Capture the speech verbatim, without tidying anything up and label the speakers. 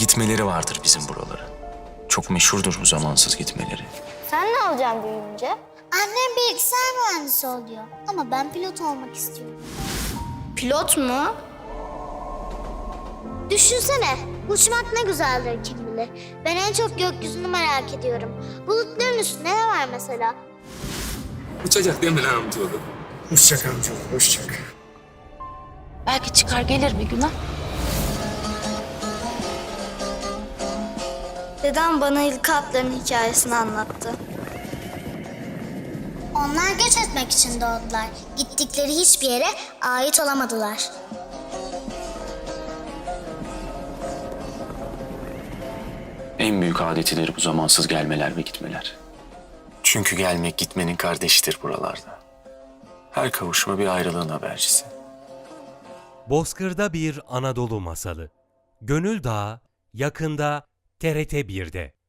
Speaker 1: Gitmeleri vardır bizim buralara. Çok meşhurdur bu zamansız gitmeleri.
Speaker 2: Sen ne olacaksın büyüyünce?
Speaker 3: Annem bilgisayar mühendisi oluyor ama ben pilot olmak istiyorum.
Speaker 2: Pilot mu?
Speaker 3: Düşünsene, uçmak ne güzeldir kim bilir. Ben en çok gökyüzünü merak ediyorum. Bulutların üstünde ne var mesela?
Speaker 4: Uçacak değil mi lan amcaoğlu?
Speaker 5: Uçacak amcaoğlu, uçacak.
Speaker 6: Belki çıkar gelir bir gün ha.
Speaker 2: Dedem bana ilk atların hikayesini anlattı.
Speaker 3: Onlar göç etmek için doğdular. Gittikleri hiçbir yere ait olamadılar.
Speaker 1: En büyük adetidir bu zamansız gelmeler ve gitmeler. Çünkü gelmek gitmenin kardeşidir buralarda. Her kavuşma bir ayrılığın habercisi.
Speaker 7: Bozkır'da bir Anadolu masalı. Gönül Dağı yakında T R T bir'de.